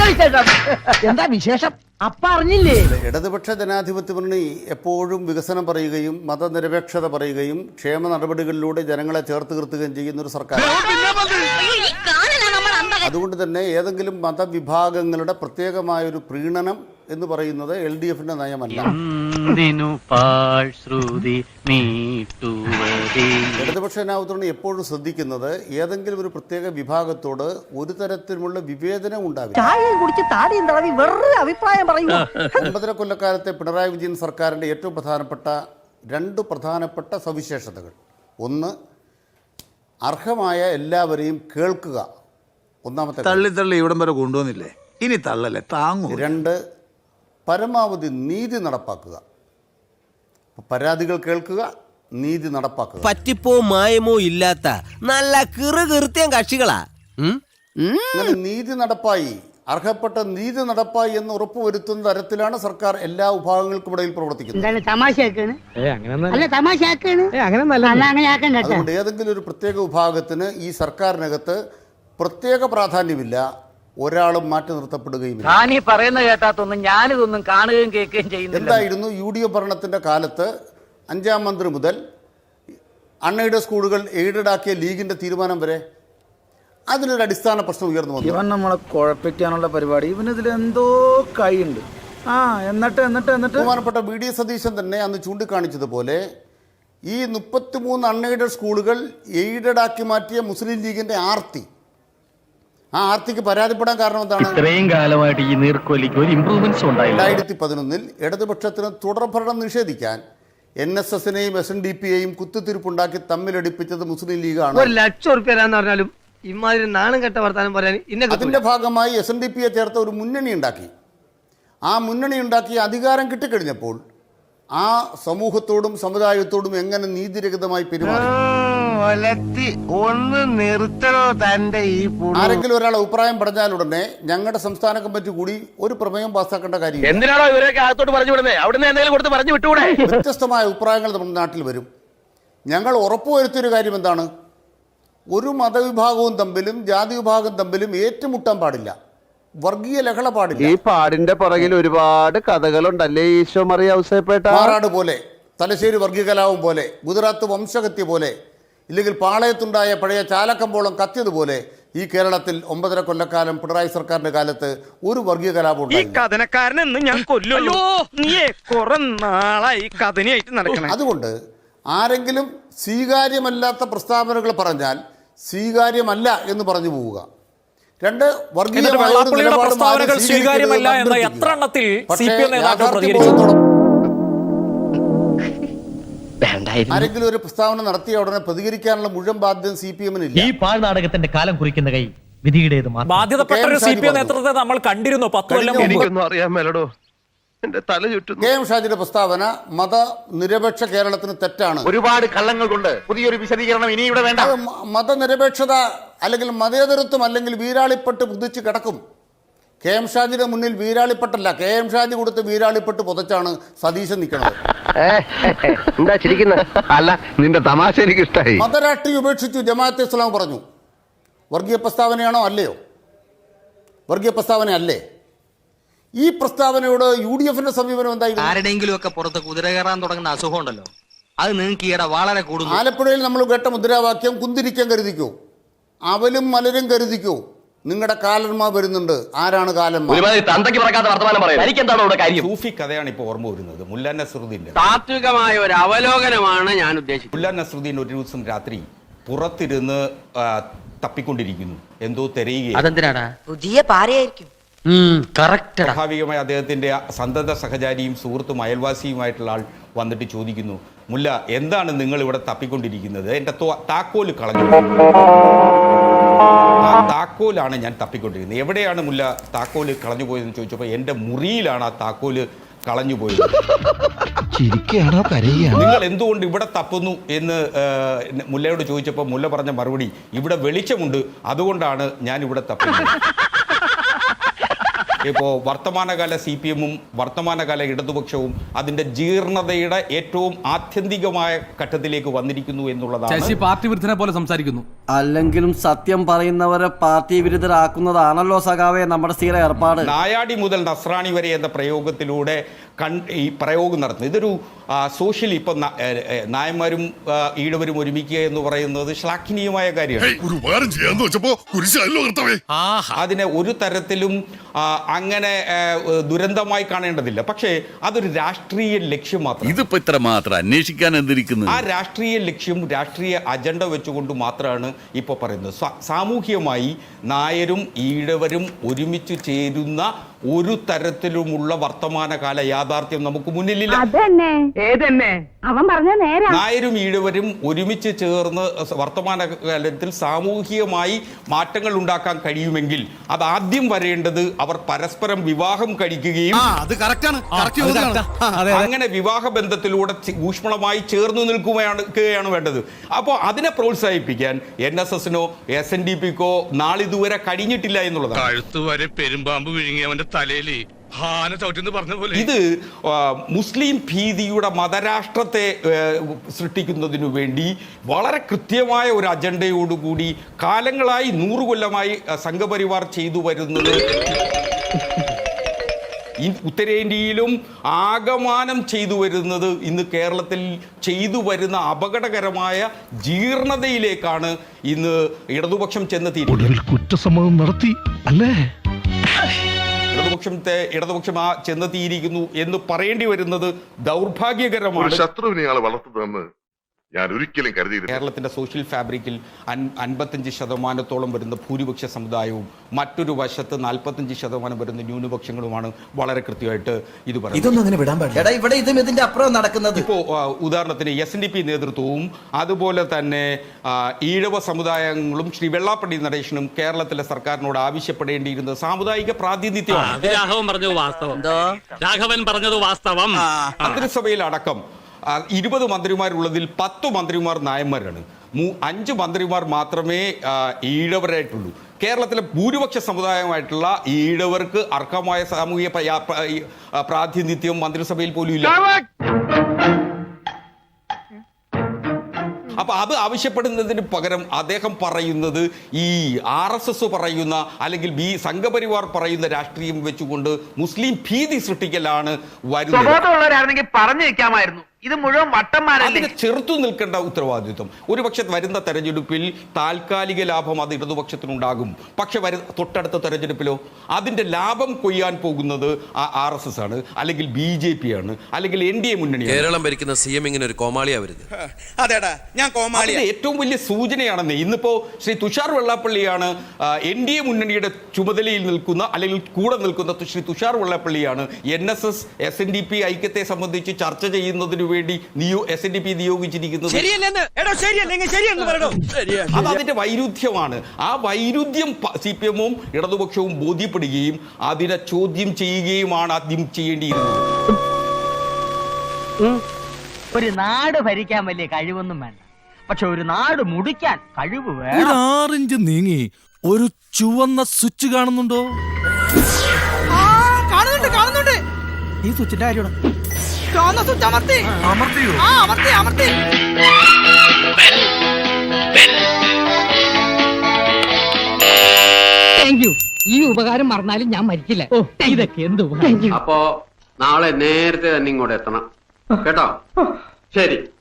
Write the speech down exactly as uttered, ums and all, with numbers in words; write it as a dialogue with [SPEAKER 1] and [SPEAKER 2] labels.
[SPEAKER 1] എന്താ വിശേഷം? അപ്പ അറിഞ്ഞില്ലേ?
[SPEAKER 2] ഇടതുപക്ഷ ജനാധിപത്യ മുന്നണി എപ്പോഴും വികസനം പറയുകയും മതനിരപേക്ഷത പറയുകയും ക്ഷേമ നടപടികളിലൂടെ ജനങ്ങളെ ചേർത്ത് നിർത്തുകയും ചെയ്യുന്ന ഒരു സർക്കാർ. അതുകൊണ്ട് തന്നെ ഏതെങ്കിലും മതവിഭാഗങ്ങളുടെ പ്രത്യേകമായൊരു പ്രീണനം എന്ന് പറയുന്നത് എൽ ഡി എഫിന്റെ നയമല്ല. ഇടതുപക്ഷ ജനാധിപത്യം എപ്പോഴും ശ്രദ്ധിക്കുന്നത് ഏതെങ്കിലും ഒരു പ്രത്യേക വിഭാഗത്തോട് ഒരു തരത്തിലുള്ള വിവേചനം ഉണ്ടാവില്ല. ഒമ്പതര കൊല്ലക്കാലത്തെ പിണറായി വിജയൻ സർക്കാരിന്റെ ഏറ്റവും പ്രധാനപ്പെട്ട രണ്ട് പ്രധാനപ്പെട്ട സവിശേഷതകൾ: ഒന്ന്, അർഹമായ എല്ലാവരെയും കേൾക്കുക. ഒന്നാമത്തെ
[SPEAKER 3] തള്ളി തള്ളി ഇവിടം വരെ കൊണ്ടുവന്നില്ലേ, ഇനി തള്ളല്ലേ താങ്ങൂ.
[SPEAKER 2] രണ്ട്, പരമാവധി നീതി നടപ്പാക്കുക. പരാതികൾ കേൾക്കുക, നീതി നടപ്പാക്കുക.
[SPEAKER 4] പറ്റിപ്പോ മായമോ ഇല്ലാത്ത നല്ല കിറുകീർത്തിയം കക്ഷികളാ.
[SPEAKER 2] അങ്ങനെ നീതി നടപ്പായി, അർഹപ്പെട്ട നീതി നടപ്പായി എന്ന് ഉറപ്പുവരുത്തുന്ന തരത്തിലാണ് സർക്കാർ എല്ലാ വിഭാഗങ്ങൾക്കും ഇടയിൽ പ്രവർത്തിക്കുന്നത്. അതുകൊണ്ട് ഏതെങ്കിലും ഒരു പ്രത്യേക വിഭാഗത്തിന് ഈ സർക്കാരിനകത്ത് പ്രത്യേക പ്രാധാന്യമില്ല, ഒരാളും മാറ്റി നിർത്തപ്പെടുകയും
[SPEAKER 1] പറയുന്ന കേട്ടാത്തൊന്നും ഞാനിതൊന്നും കാണുകയും കേൾക്കുകയും ചെയ്യുന്നില്ല.
[SPEAKER 2] എന്തായിരുന്നു യു ഡി എഫ് ഭരണത്തിന്റെ കാലത്ത് അഞ്ചാം മന്ത്രി മുതൽ അൺഎയ്ഡഡ് സ്കൂളുകൾ എയ്ഡഡ് ആക്കിയ ലീഗിന്റെ തീരുമാനം വരെ അതിലൊരു അടിസ്ഥാന പ്രശ്നം ഉയർന്നു വന്നു.
[SPEAKER 3] ഇവൻ നമ്മളെ കുഴപ്പിക്കാനുള്ള പരിപാടി, ഇവനിതിൽ എന്തോ കൈയുണ്ട്. ആ എന്നിട്ട് എന്നിട്ട് എന്നിട്ട്
[SPEAKER 2] ബഹുമാനപ്പെട്ട വി ഡി സതീശൻ തന്നെ അന്ന് ചൂണ്ടിക്കാണിച്ചതുപോലെ ഈ മുപ്പത്തിമൂന്ന് അൺഎയ്ഡഡ് സ്കൂളുകൾ എയ്ഡഡ് ആക്കി മാറ്റിയ മുസ്ലിം ലീഗിന്റെ ആർത്തി, ആ ആർത്തിക്ക് പരാതിപ്പെടാൻ കാരണം എന്താണ്?
[SPEAKER 5] ഇത്രയും കാലമായിട്ട് ഈ നീർക്കോലിക്ക് ഒരു ഇംപ്രൂവ്മെന്റ്സ് ഉണ്ടായില്ല.
[SPEAKER 2] രണ്ടായിരത്തി പതിനൊന്നിൽ ഇടതുപക്ഷത്തിന് തുടർഭരണം നിഷേധിക്കാൻ എൻ എസ് എസിനെയും എസ് എൻ ഡി പിയെയും കുത്തിത്തിരിപ്പുണ്ടാക്കി തമ്മിലടിപ്പിച്ചത് മുസ്ലിം ലീഗാണ്.
[SPEAKER 1] ഒരു ലക്ഷം റുപ്യ പറഞ്ഞാലും ഇമാതിരി നാണം കെട്ട വർത്താനം പറയാൻ
[SPEAKER 2] അതിന്റെ ഭാഗമായി എസ് എൻ ഡി പിയെ ചേർത്ത ഒരു മുന്നണി ഉണ്ടാക്കി. ആ മുന്നണി ഉണ്ടാക്കി അധികാരം കിട്ടിക്കഴിഞ്ഞപ്പോൾ ആ സമൂഹത്തോടും സമുദായത്തോടും എങ്ങനെ നീതിരഹിതമായി പെരുമാറി.
[SPEAKER 4] ഒന്ന് നിർത്തണോ തന്റെ ഈ
[SPEAKER 2] ആരെങ്കിലും ഒരാൾ അഭിപ്രായം പറഞ്ഞാലുടനെ ഞങ്ങളുടെ സംസ്ഥാന കമ്മിറ്റി കൂടി ഒരു പ്രമേയം പാസ്സാക്കേണ്ട കാര്യം.
[SPEAKER 5] എന്തിനാണോ ഇവരൊക്കെ അകത്തോട്ട് പറഞ്ഞു വിടുന്നത്? അവിടുന്ന് എന്തെങ്കിലും കൊടുത്ത് പറഞ്ഞു വിട്ടുകൂടെ?
[SPEAKER 2] വ്യത്യസ്തമായ അഭിപ്രായങ്ങൾ നമ്മുടെ നാട്ടിൽ വരും. ഞങ്ങൾ ഉറപ്പുവരുത്തിയൊരു കാര്യം എന്താണ്? ഒരു മതവിഭാഗവും തമ്മിലും ജാതി വിഭാഗം തമ്മിലും ഏറ്റുമുട്ടാൻ പാടില്ല, വർഗീയ ലഹള പാടില്ല.
[SPEAKER 6] ഈ പാടിന്റെ പുറകിൽ ഒരുപാട് കഥകളുണ്ടല്ലേ ഈശോ മറിയ ഔസേപ്പേട്ട.
[SPEAKER 2] മാറാട് പോലെ, തലശ്ശേരി വർഗീയ കലാപം പോലെ, ഗുജറാത്ത് വംശഹത്യ പോലെ, ഇല്ലെങ്കിൽ പാളയത്തുണ്ടായ പഴയ ചാലക്കമ്പോളം കത്തിയതുപോലെ ഈ കേരളത്തിൽ ഒമ്പതര കൊല്ലക്കാലം പിണറായി സർക്കാരിന്റെ കാലത്ത് ഒരു വർഗീയ കലാപം ഉണ്ടായി. അതുകൊണ്ട് ആരെങ്കിലും സ്വീകാര്യമല്ലാത്ത പ്രസ്താവനകൾ പറഞ്ഞാൽ സ്വീകാര്യമല്ല എന്ന് പറഞ്ഞു പോവുക. രണ്ട്, ആരെങ്കിലും ഒരു പ്രസ്താവന നടത്തിയ ഉടനെ പ്രതികരിക്കാനുള്ള മുഴുവൻ ബാധ്യത സി പി എമ്മിനില്ല.
[SPEAKER 5] ഈ പാഴ്നാടകത്തിന്റെ കാലം കുറിക്കുന്ന കൈ വിധിയുടേത്.
[SPEAKER 7] ബാധ്യതപ്പെട്ട ഒരു സി പി എം നേതൃത്വത്തെ നമ്മൾ കണ്ടിരുന്നു പത്ത് കൊല്ലം മുമ്പ്.
[SPEAKER 6] അറിയാൻ മേലടോ, എന്റെ തല ചുറ്റുന്നു.
[SPEAKER 2] കെ എം ഷാജിയുടെ പ്രസ്താവന മതനിരപേക്ഷ കേരളത്തിന് തെറ്റാണ്.
[SPEAKER 6] ഒരുപാട് കള്ളങ്ങൾ കൊണ്ട് പുതിയൊരു വിശദീകരണം ഇനി ഇവിടെ വേണ്ട.
[SPEAKER 2] മതനിരപേക്ഷത അല്ലെങ്കിൽ മതേതരത്വം അല്ലെങ്കിൽ വീരാളിപ്പെട്ട് പുതിച്ച് കിടക്കും. കെ എം ഷാജിയുടെ മുന്നിൽ വീരാളിപ്പെട്ടല്ല, കെ എം ഷാജി കൊടുത്ത് വീരാളിപ്പെട്ട് പുതച്ചാണ് സതീശൻ നിൽക്കുന്നത്.
[SPEAKER 6] എന്താ ചിരിക്കുന്നത്? അല്ല, നിന്റെ തമാശ എനിക്ക് ഇഷ്ടമായി.
[SPEAKER 2] മതരാഷ്ട്രീയം ഉപേക്ഷിച്ചു ജമാഅത്തെ ഇസ്ലാം പറഞ്ഞു. വർഗീയ പ്രസ്താവനയാണോ? അല്ലയോ? വർഗീയ പ്രസ്താവന അല്ലേ? ഈ പ്രസ്താവനയോട് യു ഡി എഫിന്റെ സമീപനം എന്തായിരുന്നു?
[SPEAKER 4] ആരുടെയെങ്കിലും ഒക്കെ പുറത്ത് കുതിര കയറാൻ തുടങ്ങുന്ന അസുഖം ഉണ്ടല്ലോ, അത് നിങ്ങൾക്ക് ഈയിടെ വളരെ കൂടുതൽ.
[SPEAKER 2] ആലപ്പുഴയിൽ നമ്മൾ കേട്ട മുദ്രാവാക്യം കുന്തിരിക്കാൻ കരുതിക്കോ, അവലും മലരും കരുതിക്കോ, നിങ്ങളുടെ കാലന്മാർ വരുന്നുണ്ട്. ആരാണ് കാലന്മാർ?
[SPEAKER 8] സൂഫി കഥയാണ് ഇപ്പോൾ ഓർമ്മ വരുന്നത്. മുല്ല നസ്രുദ്ദീന്റെ
[SPEAKER 1] താത്വികമായ ഒരു അവലോകനമാണ് ഞാൻ ഉദ്ദേശിച്ചത്.
[SPEAKER 8] മുല്ല നസ്രുദ്ദീൻ ഒരു ദിവസം രാത്രി പുറത്തിരുന്ന് തപ്പിക്കൊണ്ടിരിക്കുന്നു, എന്തോ തിരയുകയാണ്.
[SPEAKER 1] അതെന്തിനാടാ?
[SPEAKER 4] പുതിയ പാരയായിരിക്കും.
[SPEAKER 8] സ്വാഭാവികമായി അദ്ദേഹത്തിന്റെ സന്തത സഹചാരിയും സുഹൃത്തും അയൽവാസിയുമായിട്ടുള്ള ആൾ വന്നിട്ട് ചോദിക്കുന്നു, മുല്ല, എന്താണ് നിങ്ങൾ ഇവിടെ തപ്പിക്കൊണ്ടിരിക്കുന്നത്? എന്റെ താക്കോല് കളഞ്ഞു. ആ താക്കോലാണ് ഞാൻ തപ്പിക്കൊണ്ടിരിക്കുന്നത്. എവിടെയാണ് മുല്ല താക്കോല് കളഞ്ഞു പോയതെന്ന് ചോദിച്ചപ്പോൾ എന്റെ മുറിയിലാണ് ആ താക്കോല് കളഞ്ഞു പോയത്. നിങ്ങൾ എന്തുകൊണ്ട് ഇവിടെ തപ്പുന്നു എന്ന് മുല്ലയോട് ചോദിച്ചപ്പോൾ മുല്ല പറഞ്ഞ മറുപടി, ഇവിടെ വെളിച്ചമുണ്ട്, അതുകൊണ്ടാണ് ഞാൻ ഇവിടെ തപ്പുന്നത്. ഇപ്പോൾ വർത്തമാനകാല സി പി എമ്മും വർത്തമാനകാല ഇടതുപക്ഷവും അതിന്റെ ജീർണതയുടെ ഏറ്റവും ആത്യന്തികമായ ഘട്ടത്തിലേക്ക് വന്നിരിക്കുന്നു എന്നുള്ളതാണ്.
[SPEAKER 9] പാർട്ടി വിരുദ്ധനെ പോലെ സംസാരിക്കുന്നു.
[SPEAKER 10] അല്ലെങ്കിലും സത്യം പറയുന്നവരെ പാർട്ടി വിരുദ്ധരാക്കുന്നതാണല്ലോ സഖാവേ നമ്മുടെ സ്ഥിര ഏർപ്പാട്.
[SPEAKER 8] നായാടി മുതൽ നസ്രാണി വരെ എന്ന പ്രയോഗത്തിലൂടെ കൺ ഈ പ്രയോഗം നടത്തുന്നത് ഇതൊരു സോഷ്യലി ഇപ്പം നായന്മാരും ഈഴവരും ഒരുമിക്കുക എന്ന് പറയുന്നത് ശ്ലാഘനീയമായ കാര്യമാണ്. അതിനെ ഒരു തരത്തിലും അങ്ങനെ ദുരന്തമായി കാണേണ്ടതില്ല. പക്ഷേ അതൊരു രാഷ്ട്രീയ ലക്ഷ്യം മാത്രം.
[SPEAKER 11] ഇതിപ്പോ ഇത്ര മാത്രം അന്വേഷിക്കാൻ എന്തിരിക്കുന്നു?
[SPEAKER 8] ആ രാഷ്ട്രീയ ലക്ഷ്യം രാഷ്ട്രീയ അജണ്ട വെച്ചുകൊണ്ട് മാത്രമാണ് ഇപ്പോൾ പറയുന്നത്. സാമൂഹികമായി നായരും ഈഴവരും ഒരുമിച്ച് ചേരുന്ന ഒരു തരത്തിലുമുള്ള വർത്തമാനകാല യാഥാർത്ഥ്യം നമുക്ക് മുന്നിലില്ല. നായരും ഈഴവരും ഒരുമിച്ച് ചേർന്ന് വർത്തമാനകാലത്തിൽ സാമൂഹികമായി മാറ്റങ്ങൾ ഉണ്ടാക്കാൻ കഴിയുമെങ്കിൽ അത് ആദ്യം വരേണ്ടത് അവർ പരസ്പരം വിവാഹം കഴിക്കുകയും അങ്ങനെ വിവാഹ ബന്ധത്തിലൂടെ ഊഷ്മളമായി ചേർന്ന് നിൽക്കുകയാണ് വേണ്ടത്. അപ്പോൾ അതിനെ പ്രോത്സാഹിപ്പിക്കാൻ എൻ എസ് എസിനോ എസ് എൻ ഡി പിക്കോ നാളിതുവരെ കഴിഞ്ഞിട്ടില്ല എന്നുള്ളതാണ്.
[SPEAKER 11] കഴുത്തുവരെ പെരുമ്പാമ്പ് വിഴുങ്ങിയവന്റെ തലയില്
[SPEAKER 8] ഇത് മുസ്ലിം ഭീതിയുടെ മതരാഷ്ട്രത്തെ സൃഷ്ടിക്കുന്നതിനു വേണ്ടി വളരെ കൃത്യമായ ഒരു അജണ്ടയോടുകൂടി കാലങ്ങളായി നൂറു കൊല്ലമായി സംഘപരിവാർ ചെയ്തു വരുന്നത് ഉത്തരേന്ത്യയിലും ആകമാനം ചെയ്തു വരുന്നത് ഇന്ന് കേരളത്തിൽ ചെയ്തു വരുന്ന അപകടകരമായ ജീർണതയിലേക്കാണ് ഇന്ന് ഇടതുപക്ഷം ചെന്നെത്തിയിരിക്കുന്നത്.
[SPEAKER 11] കുറ്റസമ്മതം നടത്തി അല്ലേ?
[SPEAKER 8] ഇടതുപക്ഷത്തെ ഇടതുപക്ഷം ആ ചെന്നെത്തിയിരിക്കുന്നു എന്ന് പറയേണ്ടി വരുന്നത് ദൗർഭാഗ്യകരമാണ്.
[SPEAKER 11] ശത്രുവിനെ വളർത്തുന്നതെന്ന് ഞാൻ ഒരിക്കലും കരുതിയില്ല.
[SPEAKER 8] കേരളത്തിന്റെ സോഷ്യൽ ഫാബ്രിക്കിൽ അൻപത്തഞ്ച് ശതമാനത്തോളം വരുന്ന ഭൂരിപക്ഷ സമുദായവും മറ്റൊരു വശത്ത് നാൽപ്പത്തഞ്ച് ശതമാനം വരുന്ന ന്യൂനപക്ഷങ്ങളുമാണ് വളരെ കൃത്യമായിട്ട് ഇത് പറയുന്നത്. ഇപ്പോൾ ഉദാഹരണത്തിന് എസ് എൻ ഡി പി നേതൃത്വവും അതുപോലെ തന്നെ ഈഴവ സമുദായങ്ങളും ശ്രീ വെള്ളാപ്പള്ളി നടേശനും കേരളത്തിലെ സർക്കാരിനോട് ആവശ്യപ്പെടേണ്ടിയിരുന്നത് സാമുദായിക പ്രാതിനിധ്യമാണ്. മന്ത്രിസഭയിൽ അടക്കം ഇരുപത് മന്ത്രിമാരുള്ളതിൽ പത്ത് മന്ത്രിമാർ നായന്മാരാണ്. അഞ്ച് മന്ത്രിമാർ മാത്രമേ ഈഴവരായിട്ടുള്ളൂ. കേരളത്തിലെ ഭൂരിപക്ഷ സമുദായമായിട്ടുള്ള ഈഴവർക്ക് അർഹമായ സാമൂഹിക പ്രാതിനിധ്യം മന്ത്രിസഭയിൽ പോലും ഇല്ല. അപ്പൊ അത് ആവശ്യപ്പെടുന്നതിന് പകരം അദ്ദേഹം പറയുന്നത് ഈ ആർ എസ് എസ് പറയുന്ന അല്ലെങ്കിൽ ബി സംഘപരിവാർ പറയുന്ന രാഷ്ട്രീയം വെച്ചുകൊണ്ട് മുസ്ലിം ഭീതി സൃഷ്ടിക്കലാണ് വരുന്നത്.
[SPEAKER 1] പറഞ്ഞു വെക്കാമായിരുന്നു. ഇത് മുഴുവൻ വട്ടന്മാരല്ലേ.
[SPEAKER 8] അതിനെ ചെറുത്തു നിൽക്കേണ്ട ഉത്തരവാദിത്വം ഒരുപക്ഷെ വരുന്ന തെരഞ്ഞെടുപ്പിൽ താൽക്കാലിക ലാഭം അത് ഇടതുപക്ഷത്തിനുണ്ടാകും. പക്ഷെ വരു തൊട്ടടുത്ത തെരഞ്ഞെടുപ്പിലോ അതിന്റെ ലാഭം കൊയ്യാൻ പോകുന്നത് ആർ എസ് എസ് ആണ്, അല്ലെങ്കിൽ ബി ജെ പി ആണ്, അല്ലെങ്കിൽ എൻ ഡി എ മുന്നണിയാണ്.
[SPEAKER 12] കേരളം ഭരിക്കുന്ന സി എം ഇങ്ങനെ ഒരു കോമാളിയാവരുത്.
[SPEAKER 8] അതേടാ ഞാൻ കോമാളിയാ. ഏറ്റവും വലിയ സൂചനയാണെന്ന് ഇന്നിപ്പോ ശ്രീ തുഷാർ വെള്ളാപ്പള്ളിയാണ് എൻ ഡി എ മുന്നണിയുടെ ചുമതലയിൽ നിൽക്കുന്ന അല്ലെങ്കിൽ കൂടെ നിൽക്കുന്ന ശ്രീ തുഷാർ വെള്ളാപ്പള്ളിയാണ് N S S S N D P ഐക്യത്തെ സംബന്ധിച്ച് ചർച്ച ചെയ്യുന്നതിന് വേണ്ടി എസ് എൻ ഡി പി നിയോഗിച്ചിരിക്കുന്നത്. അത് അതിന്റെ വൈരുദ്ധ്യമാണ്. ആ വൈരുദ്ധ്യം സി പി എമ്മും ഇടതുപക്ഷവും ബോധ്യപ്പെടുകയും അതിനെ ചോദ്യം ചെയ്യുകയുമാണ് ആദ്യം ചെയ്യേണ്ടിയിരുന്നത്.
[SPEAKER 1] ഒരു നാട് ഭരിക്കാൻ വലിയ കഴിവൊന്നും വേണ്ട, പക്ഷെ ഒരു നാട് മുടിക്കാൻ കഴിവ് വേണം.
[SPEAKER 9] ആറിഞ്ച് നീങ്ങി ഒരു ചുവന്ന സ്വിച്ച് കാണുന്നുണ്ടോ?
[SPEAKER 1] കാണുന്നുണ്ട് കാണുന്നുണ്ട്.
[SPEAKER 9] ഈ സ്വിച്ചിന്റെ കാര്യമാണ്.
[SPEAKER 1] ഈ ഉപകാരം മറന്നാലും ഞാൻ മരിക്കില്ല. ഇതൊക്കെ എന്ത്
[SPEAKER 6] അപ്പോ നാളെ നേരത്തെ തന്നെ ഇങ്ങോട്ട് എത്തണം കേട്ടോ. ശരി.